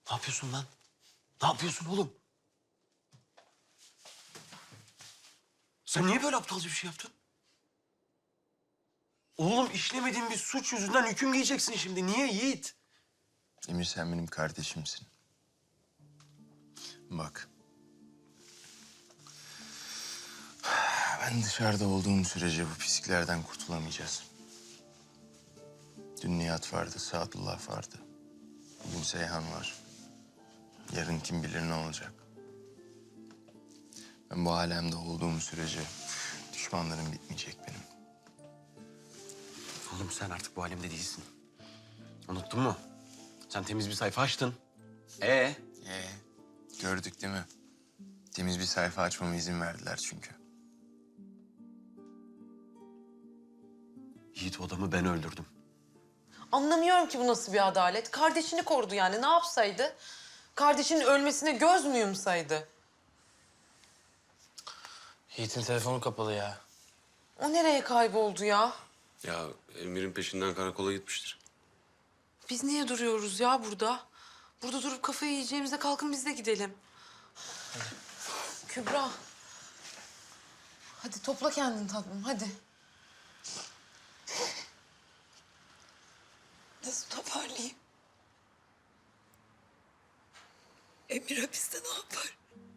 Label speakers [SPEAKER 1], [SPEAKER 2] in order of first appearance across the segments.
[SPEAKER 1] Ne yapıyorsun lan? Ne yapıyorsun oğlum? Sen niye böyle aptalca bir şey yaptın? Oğlum işlemediğin bir suç yüzünden hüküm giyeceksin şimdi. Niye Yiğit?
[SPEAKER 2] Emir sen benim kardeşimsin. Bak. Ben dışarıda olduğum sürece bu pisliklerden kurtulamayacağız. Dün Nihat vardı, Sadullah vardı. Bugün Seyhan var. Yarın kim bilir ne olacak. Ben bu alemde olduğum sürece düşmanlarım bitmeyecek benim.
[SPEAKER 1] Oğlum sen artık bu alemde değilsin. Unuttun mu? Sen temiz bir sayfa açtın.
[SPEAKER 2] Gördük değil mi? Temiz bir sayfa açmama izin verdiler çünkü.
[SPEAKER 1] Yiğit o adamı ben öldürdüm.
[SPEAKER 3] Anlamıyorum ki bu nasıl bir adalet. Kardeşini korudu yani. Ne yapsaydı? Kardeşinin ölmesine göz mü yumsaydı?
[SPEAKER 4] Yiğit'in telefonu kapalı ya.
[SPEAKER 3] O nereye kayboldu ya?
[SPEAKER 5] Ya Emir'in peşinden karakola gitmiştir.
[SPEAKER 3] Biz niye duruyoruz ya burada? Burada durup kafayı yiyeceğimize kalkın biz de gidelim. Kübra. Hadi topla kendini tatlım, hadi.
[SPEAKER 6] Nasıl toparlayayım? Emir hapiste ne yapar?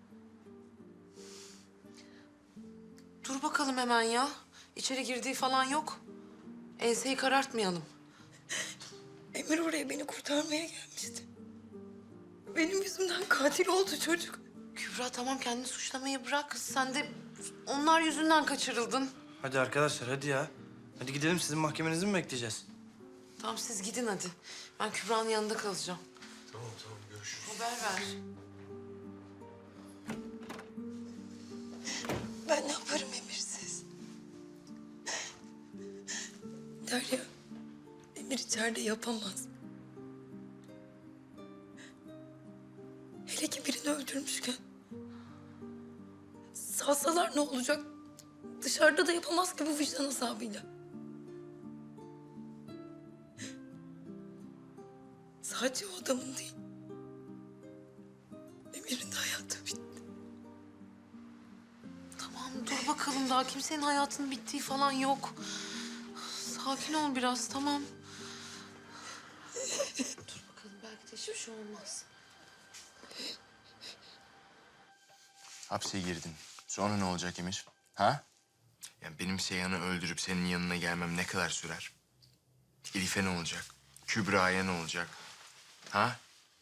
[SPEAKER 3] Dur bakalım hemen ya. İçeri girdiği falan yok. Enseyi karartmayalım.
[SPEAKER 6] Emir oraya beni kurtarmaya gelmişti. Benim yüzümden katil oldu çocuk.
[SPEAKER 3] Kübra tamam kendini suçlamayı bırak. Sen de onlar yüzünden kaçırıldın.
[SPEAKER 4] Hadi arkadaşlar hadi ya. Hadi gidelim sizin mahkemenizi mi bekleyeceğiz?
[SPEAKER 3] Tamam siz gidin hadi. Ben Kübra'nın yanında kalacağım.
[SPEAKER 5] Tamam görüşürüz.
[SPEAKER 3] Haber ver.
[SPEAKER 6] Ben ne yaparım Emir'siz? Derya, Emir içeride yapamaz. Hele ki birini öldürmüşken. Salsalar ne olacak? Dışarıda da yapamaz ki bu vicdan azabıyla. Sadece o adamın değil. Emir'in de hayatı bitti.
[SPEAKER 3] Tamam dur bakalım daha kimsenin hayatının bittiği falan yok. Sakin ol biraz tamam. Dur bakalım belki de hiçbir şey olmaz.
[SPEAKER 2] Hapse girdin. Sonra ne olacak Emir? Ha? Yani benim Seyhan'ı öldürüp senin yanına gelmem ne kadar sürer? Elif'e ne olacak? Kübra'ya ne olacak? Ha?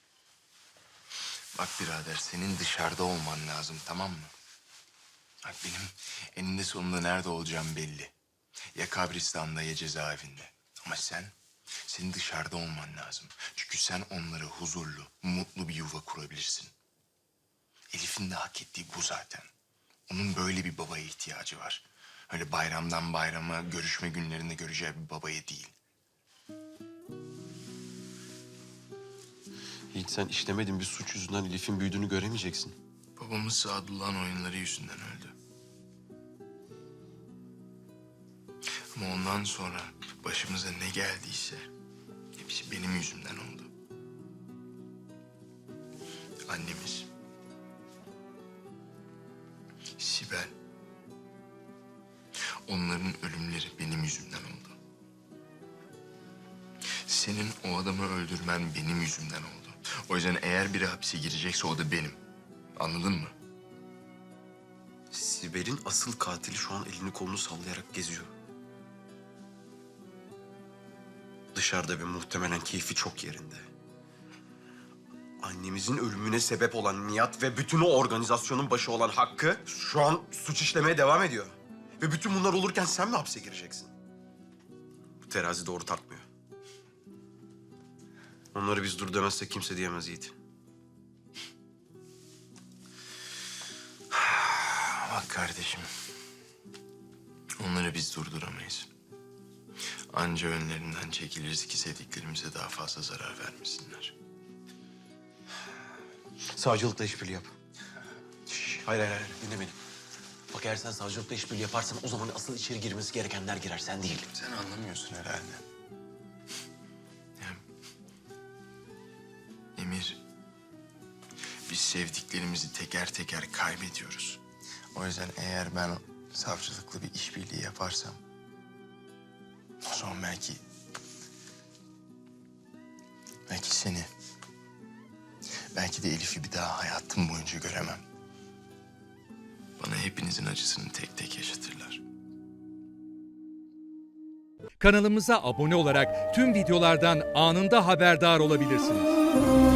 [SPEAKER 2] Bak birader, senin dışarıda olman lazım, tamam mı? Bak benim eninde sonunda nerede olacağım belli. Ya kabristan'da ya cezaevinde. Ama senin dışarıda olman lazım. Çünkü sen onlara huzurlu, mutlu bir yuva kurabilirsin. Elif'in de hak ettiği bu zaten. Onun böyle bir babaya ihtiyacı var. Öyle bayramdan bayrama, görüşme günlerinde göreceği bir babaya değil.
[SPEAKER 1] Yiğit sen işlemediğin bir suç yüzünden Elif'in büyüdüğünü göremeyeceksin.
[SPEAKER 2] Babamız Sadullah'ın oyunları yüzünden öldü. Ama ondan sonra başımıza ne geldiyse hepsi benim yüzümden oldu. Annemiz, Sibel, onların ölümleri benim yüzümden oldu. Senin o adamı öldürmen benim yüzümden oldu. O yüzden eğer biri hapse girecekse o da benim. Anladın mı?
[SPEAKER 1] Sibel'in asıl katili şu an elini kolunu sallayarak geziyor. Dışarıda ve muhtemelen keyfi çok yerinde. Annemizin ölümüne sebep olan Nihat ve bütün o organizasyonun başı olan Hakkı şu an suç işlemeye devam ediyor. Ve bütün bunlar olurken sen mi hapse gireceksin? Bu terazi doğru tartmıyor. Onları biz dur demezsek kimse diyemez Yiğit.
[SPEAKER 2] Bak kardeşim, onları biz durduramayız. Anca önlerinden çekiliriz ki sevdiklerimize daha fazla zarar vermesinler.
[SPEAKER 1] Savcılıkla işbirliği yap. Şş, hayır, dinle beni. Bak eğer sen savcılıkla işbirliği yaparsan o zaman asıl içeri girmesi gerekenler girer, sen değil.
[SPEAKER 2] Sen anlamıyorsun herhalde. Ya, Emir biz sevdiklerimizi teker teker kaybediyoruz. O yüzden eğer ben savcılıkla bir işbirliği yaparsam... o zaman belki seni... belki de Elif'i bir daha hayatım boyunca göremem. Bana hepinizin acısını tek tek yaşatırlar.
[SPEAKER 7] Kanalımıza abone olarak tüm videolardan anında haberdar olabilirsiniz.